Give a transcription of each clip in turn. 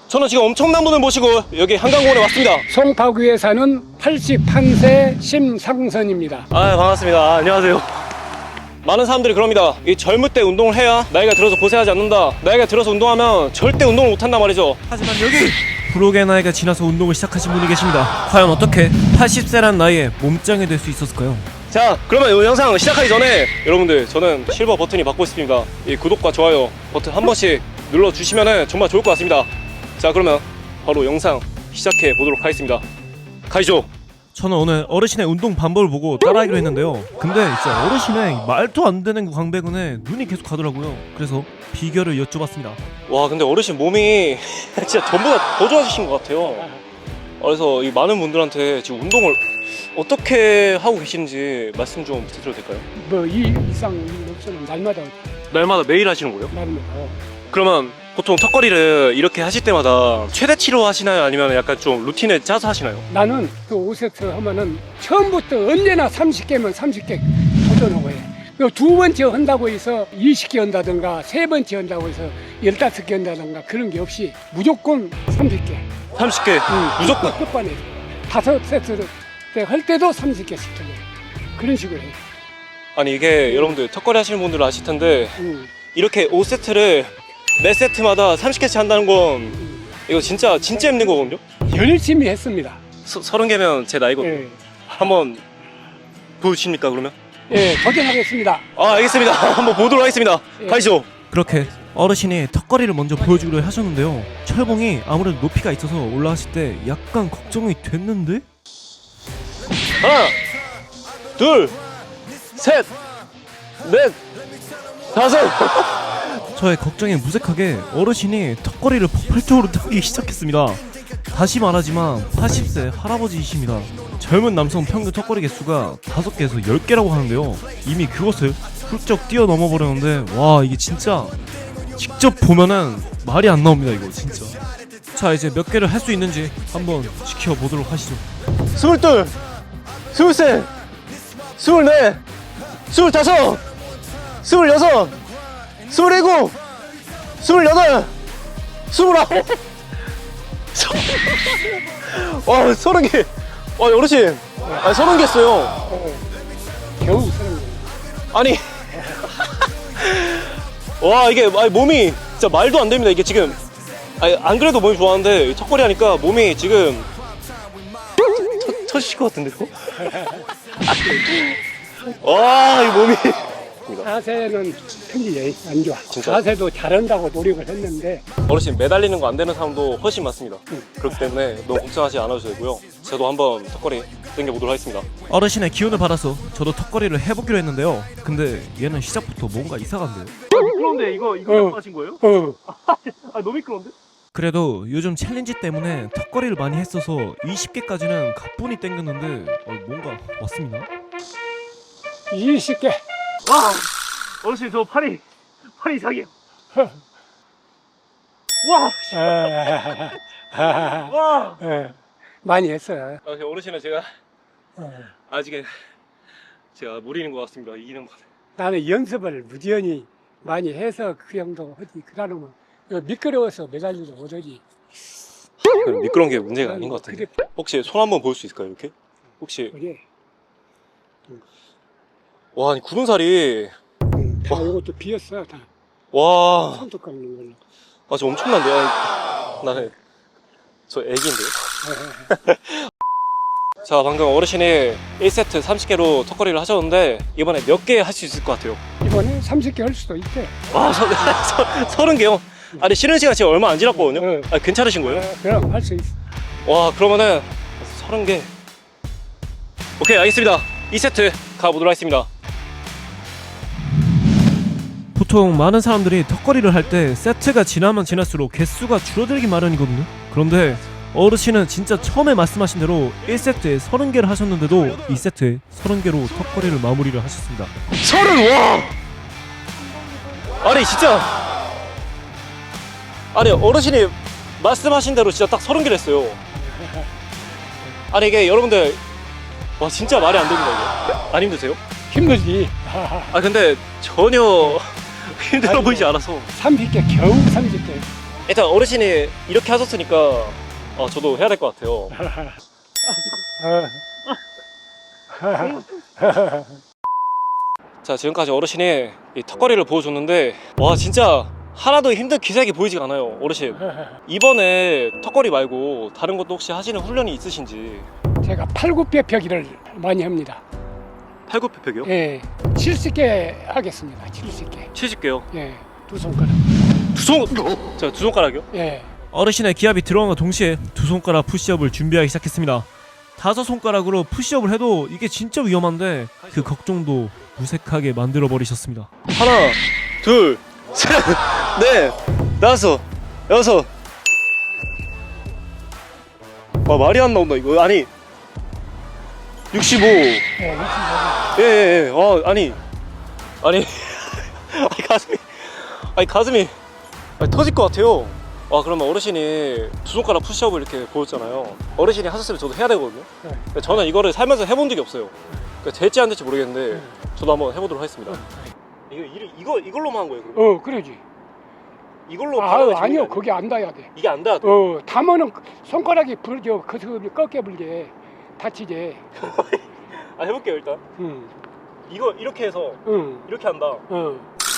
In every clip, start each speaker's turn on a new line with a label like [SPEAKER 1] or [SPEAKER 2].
[SPEAKER 1] 저는 지금 엄청난 분을 모시고 여기 한강공원에 왔습니다.
[SPEAKER 2] 송파구에 사는 81세 심상선입니다.
[SPEAKER 1] 반갑습니다. 안녕하세요. 많은 사람들이 그럽니다. 이 젊을 때 운동을 해야 나이가 들어서 고생하지 않는다. 나이가 들어서 운동하면 절대 운동을 못한단 말이죠.
[SPEAKER 3] 하지만 여기 불혹의 나이가 지나서 운동을 시작하신 분이 계십니다. 과연 어떻게 80세란 나이에 몸짱이 될 수 있었을까요?
[SPEAKER 1] 자, 그러면 이 영상 시작하기 전에 여러분들, 저는 실버 버튼이 받고 있습니다. 이 구독과 좋아요 버튼 한 번씩 눌러주시면 정말 좋을 것 같습니다. 자, 그러면 바로 영상 시작해 보도록 하겠습니다. 가시죠.
[SPEAKER 3] 저는 오늘 어르신의 운동 방법을 보고 따라하기로 했는데요. 근데 진짜 어르신의 말도 안 되는 광배근에 눈이 계속 가더라고요. 그래서 비결을 여쭤봤습니다.
[SPEAKER 1] 와, 근데 어르신 몸이 진짜 전보다 더 좋아지신 것 같아요. 그래서 이 많은 분들한테 지금 운동을 어떻게 하고 계시는지 말씀 좀 부탁드려도 될까요?
[SPEAKER 2] 뭐 이 이상 없으면 날마다
[SPEAKER 1] 날마다 매일 하시는 거예요?
[SPEAKER 2] 날마다.
[SPEAKER 1] 그러면 보통 턱걸이를 이렇게 하실 때마다 최대치로 하시나요? 아니면 약간 좀 루틴에 짜서 하시나요?
[SPEAKER 2] 나는 그 5세트 하면은 처음부터 언제나 30개면 30개 도전하고 해. 두 번째 한다고 해서 20개 한다든가 세 번째 한다고 해서 15개 한다든가 그런 게 없이 무조건 30개.
[SPEAKER 1] 30개 무조건.
[SPEAKER 2] 끝반에 5세트 할 때도 30개씩 해. 그런 식으로 해.
[SPEAKER 1] 아니 이게 여러분들 턱걸이 하시는 분들은 아실 텐데 이렇게 5세트를 매 세트마다 30개씩 한다는 건 이거 진짜 힘든 거거든요?
[SPEAKER 2] 열심히 했습니다.
[SPEAKER 1] 30개면 제 나이거든요.
[SPEAKER 2] 예,
[SPEAKER 1] 한번 보여주십니까 그러면?
[SPEAKER 2] 예, 도전하겠습니다.
[SPEAKER 1] 알겠습니다. 한번 보도록 하겠습니다.
[SPEAKER 2] 예.
[SPEAKER 1] 가시죠.
[SPEAKER 3] 그렇게 어르신이 턱걸이를 먼저 보여주기로 하셨는데요. 철봉이 아무래도 높이가 있어서 올라가실 때 약간 걱정이 됐는데?
[SPEAKER 1] 하나, 둘, 셋, 넷, 다섯.
[SPEAKER 3] 저의 걱정에 무색하게 어르신이 턱걸이를 폭발적으로 타기 시작했습니다. 다시 말하지만 80세 할아버지이십니다. 젊은 남성 평균 턱걸이 개수가 5개에서 10개라고 하는데요. 이미 그것을 훌쩍 뛰어넘어 버렸는데 와, 이게 진짜 직접 보면은 말이 안 나옵니다. 이거 진짜. 자, 이제 몇 개를 할 수 있는지 한번 지켜보도록 하시죠.
[SPEAKER 1] 22, 23, 24, 25, 26, 27, 28, 29. 와, 30개. 와, 어르신. 30개 했어요.
[SPEAKER 2] 겨우 쓰는 거예요.
[SPEAKER 1] 아니. 와, 이게 몸이 진짜 말도 안 됩니다. 이게 지금. 안 그래도 몸이 좋아하는데 턱걸이 하니까 몸이 지금 터지실 것 같은데요? 와, 이 몸이.
[SPEAKER 2] 자세는 편히 안 좋아.
[SPEAKER 1] 진짜?
[SPEAKER 2] 자세도 잘한다고 노력을 했는데
[SPEAKER 1] 어르신 매달리는 거 안 되는 사람도 훨씬 많습니다. 그렇기 때문에 너무 걱정하지 않아도 되고요. 저도 한번 턱걸이 당겨보도록 하겠습니다.
[SPEAKER 3] 어르신의 기운을 받아서 저도 턱걸이를 해보기로 했는데요. 근데 얘는 시작부터 뭔가 이상한데요.
[SPEAKER 1] 미끄러운데 이거 하신 거예요? 너무 미끄러운데?
[SPEAKER 3] 그래도 요즘 챌린지 때문에 턱걸이를 많이 했어서 20개까지는 가뿐히 땡겼는데 뭔가 왔습니다.
[SPEAKER 2] 20개.
[SPEAKER 1] 와, 어르신 저 팔이 이상해요. 와, 와.
[SPEAKER 2] 많이 했어요.
[SPEAKER 1] 어르신은 제가 아직은 제가 무리는 것 같습니다. 이기는 것.
[SPEAKER 2] 나는 연습을 무지연히 많이 해서 그 정도 하지. 그러면 미끄러워서 매달리도 못하지.
[SPEAKER 1] 미끄러운 게 문제가 아닌 것 같은데. 혹시 손 한번 볼 수 있을까요? 이렇게? 혹시
[SPEAKER 2] 그래.
[SPEAKER 1] 와, 아니 굳은 살이
[SPEAKER 2] 다 이것도 비었어. 다
[SPEAKER 1] 와,
[SPEAKER 2] 손톱 깎는 걸로.
[SPEAKER 1] 저 엄청난데요. 나는 저 애기인데요. 자, 방금 어르신이 1세트 30개로 턱걸이를 하셨는데 이번에 몇 개 할 수 있을 것 같아요?
[SPEAKER 2] 이번에 30개 할 수도 있대.
[SPEAKER 1] 와, 30개요? 아니 쉬는 시간 지금 얼마 안 지났거든요? 괜찮으신 거예요?
[SPEAKER 2] 그럼 할 수 있어.
[SPEAKER 1] 와, 그러면은 30개. 오케이, 알겠습니다. 2세트 가보도록 하겠습니다.
[SPEAKER 3] 보통 많은 사람들이 턱걸이를 할 때 세트가 지나면 지날수록 개수가 줄어들기 마련이거든요. 그런데 어르신은 진짜 처음에 말씀하신 대로 1세트에 30개를 하셨는데도 2세트에 30개로 턱걸이를 마무리를 하셨습니다.
[SPEAKER 1] 30! 와! 아니 진짜 어르신이 말씀하신 대로 진짜 딱 30개를 했어요. 아니 이게 여러분들 와 진짜 말이 안 됩니다 이게. 안 힘드세요?
[SPEAKER 2] 힘들지.
[SPEAKER 1] 근데 전혀 힘들어 보이지 않아서
[SPEAKER 2] 30개 겨우 30개.
[SPEAKER 1] 일단 어르신이 이렇게 하셨으니까 저도 해야 될 것 같아요. 자, 지금까지 어르신이 이 턱걸이를 보여줬는데 와 진짜 하나도 힘든 기색이 보이지가 않아요. 어르신 이번에 턱걸이 말고 다른 것도 혹시 하시는 훈련이 있으신지.
[SPEAKER 2] 제가 팔굽혀펴기를 많이 합니다.
[SPEAKER 1] 팔굽혀펴기요?
[SPEAKER 2] 예, 70개 하겠습니다. 70개.
[SPEAKER 1] 70개요.
[SPEAKER 2] 예, 두 손가락.
[SPEAKER 1] 두 손가락이요?
[SPEAKER 2] 예.
[SPEAKER 3] 어르신의 기합이 들어간과 동시에 두 손가락 푸시업을 준비하기 시작했습니다. 다섯 손가락으로 푸시업을 해도 이게 진짜 위험한데 그 걱정도 무색하게 만들어 버리셨습니다.
[SPEAKER 1] 하나, 둘, 셋, 넷, 다섯, 여섯. 와 말이 안 나온다 이거. 아니 65.
[SPEAKER 2] 예, 65개.
[SPEAKER 1] 예예예. 아니 아니 가슴이 터질 것 같아요. 그러면 어르신이 두 손가락 푸시업을 이렇게 보였잖아요. 어르신이 하셨으면 저도 해야 되거든요.
[SPEAKER 2] 네.
[SPEAKER 1] 근데 저는 이거를 살면서 해본 적이 없어요. 그러니까 될지 안 될지 모르겠는데
[SPEAKER 2] 네.
[SPEAKER 1] 저도 한번 해보도록 하겠습니다. 이걸로만 한 거예요? 그럼?
[SPEAKER 2] 그러지.
[SPEAKER 1] 이걸로
[SPEAKER 2] 아니요, 그게 안 닿아야 돼.
[SPEAKER 1] 이게 안 닿아.
[SPEAKER 2] 담으면 손가락이 부러져. 그 꺾여 불게. 다치지.
[SPEAKER 1] 해볼게요 일단.
[SPEAKER 2] 응,
[SPEAKER 1] 이거 이렇게 해서
[SPEAKER 2] 응,
[SPEAKER 1] 이렇게 한다.
[SPEAKER 2] 응.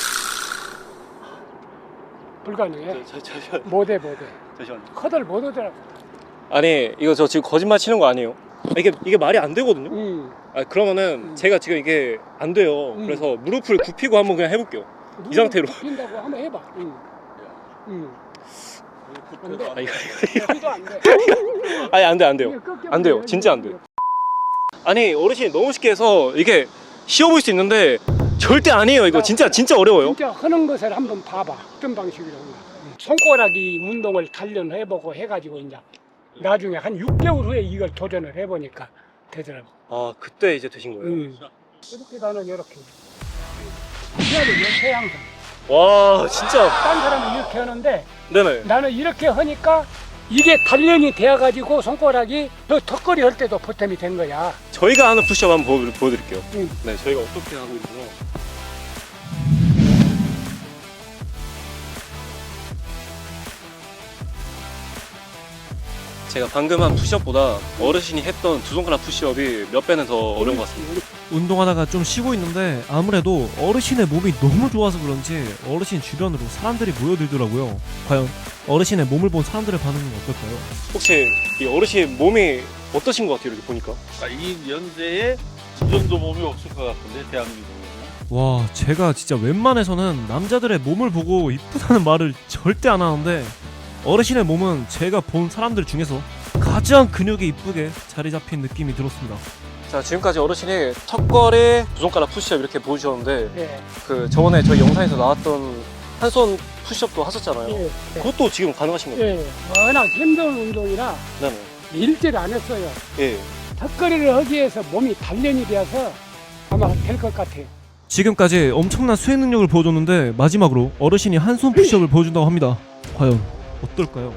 [SPEAKER 2] 불가능해.
[SPEAKER 1] 잠시만.
[SPEAKER 2] 못해.
[SPEAKER 1] 잠시만.
[SPEAKER 2] 커들 못 오더라고.
[SPEAKER 1] 아니 이거 저 지금 거짓말 치는 거 아니에요? 이게 말이 안 되거든요.
[SPEAKER 2] 응.
[SPEAKER 1] 그러면은 제가 지금 이게 안 돼요. 그래서 무릎을 굽히고 한번 그냥 해볼게요. 이 상태로.
[SPEAKER 2] 핀다고 한번 해봐. 응. 응. 안 돼.
[SPEAKER 1] 이거.
[SPEAKER 2] 피도 안 돼.
[SPEAKER 1] 아니 안 돼요. 안 돼요. 진짜 안 돼요. 아니 어르신이 너무 쉽게 해서 이게 쉬워 보일 수 있는데 절대 아니에요. 이거 진짜 어려워요.
[SPEAKER 2] 진짜 하는 것을 한번 봐봐. 어떤 방식으로 하나. 손가락이 운동을 단련해보고 해가지고 이제 나중에 한 6개월 후에 이걸 도전을 해보니까 되더라고.
[SPEAKER 1] 그때 이제 되신 거예요?
[SPEAKER 2] 이렇게 나는 이렇게. 이거는 이렇게 항상.
[SPEAKER 1] 와 진짜.
[SPEAKER 2] 딴 사람은 이렇게 하는데
[SPEAKER 1] 네네.
[SPEAKER 2] 나는 이렇게 하니까 이게 단련이 되어가지고 손가락이 저 턱걸이 할 때도 보탬이 된 거야.
[SPEAKER 1] 저희가 하는 푸시업 한번 보여드릴게요.
[SPEAKER 2] 응.
[SPEAKER 1] 네, 저희가 어떻게 하고 있나요? 제가 방금 한 푸시업보다 어르신이 했던 두 손가락 푸시업이 몇 배는 더 어려운 것 같습니다.
[SPEAKER 3] 운동하다가 좀 쉬고 있는데 아무래도 어르신의 몸이 너무 좋아서 그런지 어르신 주변으로 사람들이 모여들더라고요. 과연 어르신의 몸을 본 사람들의 반응은 어떨까요?
[SPEAKER 1] 혹시 이 어르신 몸이 어떠신 것 같아요? 이렇게 보니까.
[SPEAKER 4] 이 연세에 이 정도 몸이 없을 것 같은데 대한민국에는.
[SPEAKER 3] 와, 제가 진짜 웬만해서는 남자들의 몸을 보고 이쁘다는 말을 절대 안 하는데 어르신의 몸은 제가 본 사람들 중에서 가장 근육이 이쁘게 자리 잡힌 느낌이 들었습니다.
[SPEAKER 1] 자, 지금까지 어르신이 턱걸이, 두 손가락 푸시업 이렇게 보여주셨는데
[SPEAKER 2] 예.
[SPEAKER 1] 그 저번에 저희 영상에서 나왔던 한 손 푸시업도 하셨잖아요.
[SPEAKER 2] 예.
[SPEAKER 1] 그것도 지금 가능하신 거예요?
[SPEAKER 2] 예. 워낙 힘든 운동이라
[SPEAKER 1] 네네.
[SPEAKER 2] 일제를 안 했어요.
[SPEAKER 1] 예.
[SPEAKER 2] 턱걸이를 하기 위해서 몸이 단련이 되어서 아마 될 것 같아요.
[SPEAKER 3] 지금까지 엄청난 수행 능력을 보여줬는데 마지막으로 어르신이 한 손 푸시업을 보여준다고 합니다. 과연 어떨까요?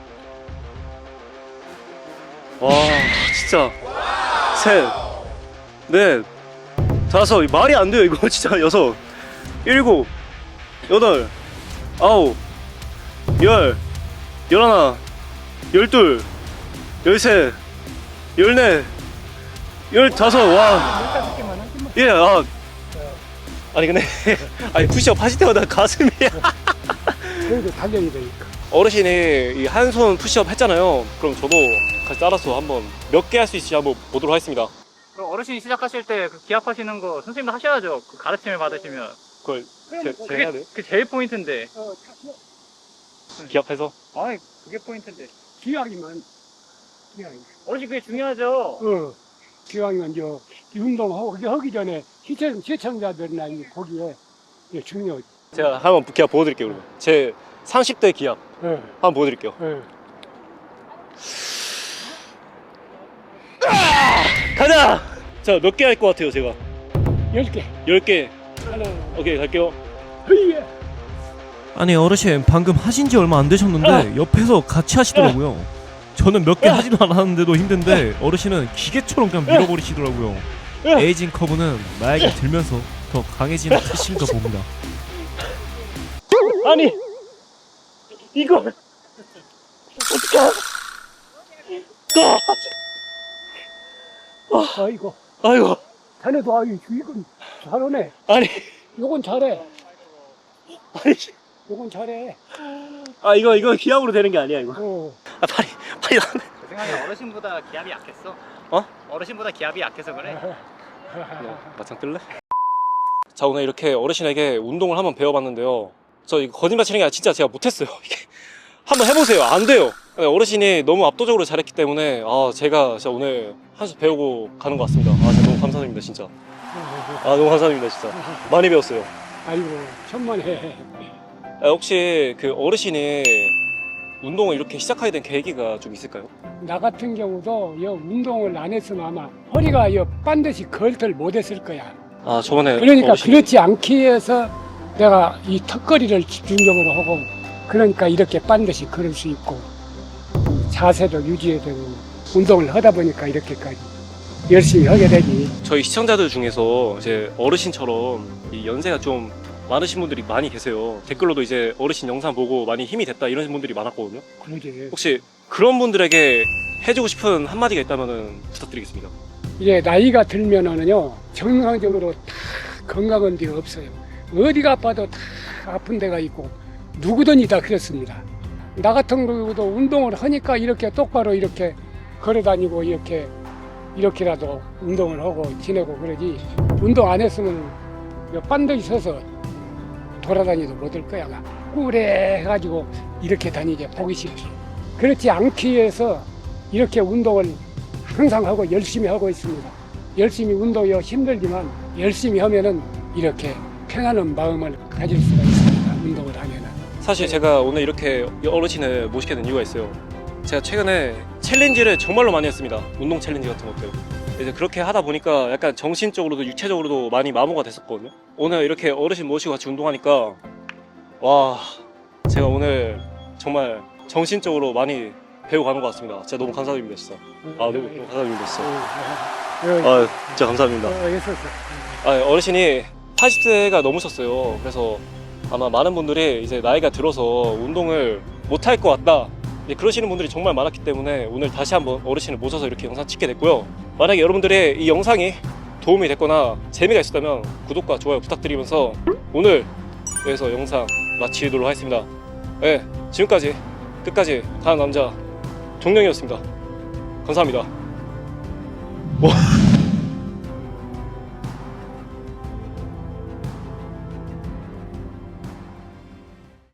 [SPEAKER 1] 와, 진짜. 셋, 넷, 다섯. 말이 안 돼요, 이거 진짜. 여섯, 일곱, 여덟, 아홉, 열, 열하나, 열둘, 열셋, 열넷, 열다섯. 와.
[SPEAKER 2] 15개만 하지 뭐.
[SPEAKER 1] 예, 아니 근데 아니 푸시업 하실 때마다 가슴이
[SPEAKER 2] 그래도 단련이 되니까.
[SPEAKER 1] 어르신이 이 한 손 푸시업 했잖아요. 그럼 저도 같이 따라서 한번 몇 개 할 수 있을지 한번 보도록 하겠습니다.
[SPEAKER 5] 그럼 어르신이 시작하실 때 그 기합하시는 거 선생님도 하셔야죠. 그 가르침을 받으시면.
[SPEAKER 1] 그걸 제가 해야 돼요?
[SPEAKER 5] 그게 제일 포인트인데.
[SPEAKER 1] 기합해서?
[SPEAKER 5] 아이, 그게 포인트인데.
[SPEAKER 2] 기왕이면
[SPEAKER 5] 어르신 그게 중요하죠.
[SPEAKER 2] 기왕이면 운동하기 전에 시청자들이나 거기에 중요하지.
[SPEAKER 1] 제가 한번 기합 보여드릴게요. 그러면 제 30대 기합
[SPEAKER 2] 예.
[SPEAKER 1] 한번 보여드릴게요.
[SPEAKER 2] 예.
[SPEAKER 1] 가자! 자, 몇 개 할 것 같아요 제가?
[SPEAKER 2] 10개.
[SPEAKER 1] 10개.
[SPEAKER 2] 하나.
[SPEAKER 1] 오케이, 갈게요.
[SPEAKER 2] 흐이야.
[SPEAKER 3] 아니 어르신 방금 하신 지 얼마 안 되셨는데 옆에서 같이 하시더라고요. 저는 몇 개 하지도 않았는데도 힘든데 어르신은 기계처럼 그냥 밀어버리시더라고요. 에이징 커브는 나에게 들면서 더 강해지는 뜻인가 봅니다.
[SPEAKER 1] 아니 이걸
[SPEAKER 2] 아이고,
[SPEAKER 1] 아이고
[SPEAKER 2] 자네도 아유 이건 잘하네.
[SPEAKER 1] 아니
[SPEAKER 2] 요건 잘해.
[SPEAKER 1] 아니
[SPEAKER 2] 요건 잘해.
[SPEAKER 1] 아 이거 기압으로 되는 게 아니야 이거. 아 팔이 나네.
[SPEAKER 5] 내 생각에 어르신보다 기압이 약했어.
[SPEAKER 1] 어?
[SPEAKER 5] 어르신보다 기압이 약해서 그래.
[SPEAKER 1] 맞짱 뜰래? 자 오늘 이렇게 어르신에게 운동을 한번 배워봤는데요. 저 이거 거짓말 치는 게 아니라 진짜 제가 못했어요. 이게 한번 해보세요. 안 돼요. 어르신이 너무 압도적으로 잘했기 때문에 제가 진짜 오늘 한 수 배우고 가는 것 같습니다. 진짜 너무 감사드립니다 진짜. 너무 감사드립니다 진짜. 많이 배웠어요.
[SPEAKER 2] 아이고 천만에.
[SPEAKER 1] 혹시 그 어르신이 운동을 이렇게 시작하게 된 계기가 좀 있을까요?
[SPEAKER 2] 나 같은 경우도 여 운동을 안 했으면 아마 허리가 여 반드시 걸들 못했을 거야.
[SPEAKER 1] 저번에
[SPEAKER 2] 그러니까
[SPEAKER 1] 어르신이
[SPEAKER 2] 그렇지 않기 위해서 내가 이 턱걸이를 집중적으로 하고 그러니까 이렇게 반드시 걸을 수 있고 자세도 유지해야 되고 운동을 하다 보니까 이렇게까지 열심히 하게 되지.
[SPEAKER 1] 저희 시청자들 중에서 이제 어르신처럼 이 연세가 좀 많으신 분들이 많이 계세요. 댓글로도 이제 어르신 영상 보고 많이 힘이 됐다 이런 분들이 많았거든요.
[SPEAKER 2] 그러지.
[SPEAKER 1] 혹시 그런 분들에게 해주고 싶은 한마디가 있다면 부탁드리겠습니다.
[SPEAKER 2] 이제 나이가 들면은요 정상적으로 다 건강한 데가 없어요. 어디가 아파도 다 아픈 데가 있고 누구든지 다 그렇습니다. 나 같은 경우도 운동을 하니까 이렇게 똑바로 이렇게 걸어다니고 이렇게라도 운동을 하고 지내고 그러지. 운동 안 했으면 반드시 서서 돌아다니도 못할 거야. 막 꾸레 해가지고 이렇게 다니지 보기 싫지. 그렇지 않기 위해서 이렇게 운동을 항상 하고 열심히 하고 있습니다. 열심히 운동이 힘들지만 열심히 하면은 이렇게 편안한 마음을 가질 수가 있습니다. 운동을 하면은.
[SPEAKER 1] 사실 제가 오늘 이렇게 어르신을 모시게 된 이유가 있어요. 제가 최근에 챌린지를 정말로 많이 했습니다. 운동 챌린지 같은 것들. 이제 그렇게 하다 보니까 약간 정신적으로도 육체적으로도 많이 마모가 됐었거든요. 오늘 이렇게 어르신 모시고 같이 운동하니까 와 제가 오늘 정말 정신적으로 많이 배워가는 것 같습니다. 진짜 너무 감사드립니다 진짜. 너무 감사드립니다 진짜. 진짜 감사합니다.
[SPEAKER 2] 있었어.
[SPEAKER 1] 어르신이 80세가 넘으셨어요. 그래서 아마 많은 분들이 이제 나이가 들어서 운동을 못할 것 같다 그러시는 분들이 정말 많았기 때문에 오늘 다시 한번 어르신을 모셔서 이렇게 영상 찍게 됐고요. 만약에 여러분들의 이 영상이 도움이 됐거나 재미가 있었다면 구독과 좋아요 부탁드리면서 오늘 여기서 영상 마치도록 하겠습니다. 네, 지금까지 끝까지 가는 남자 종령이었습니다. 감사합니다.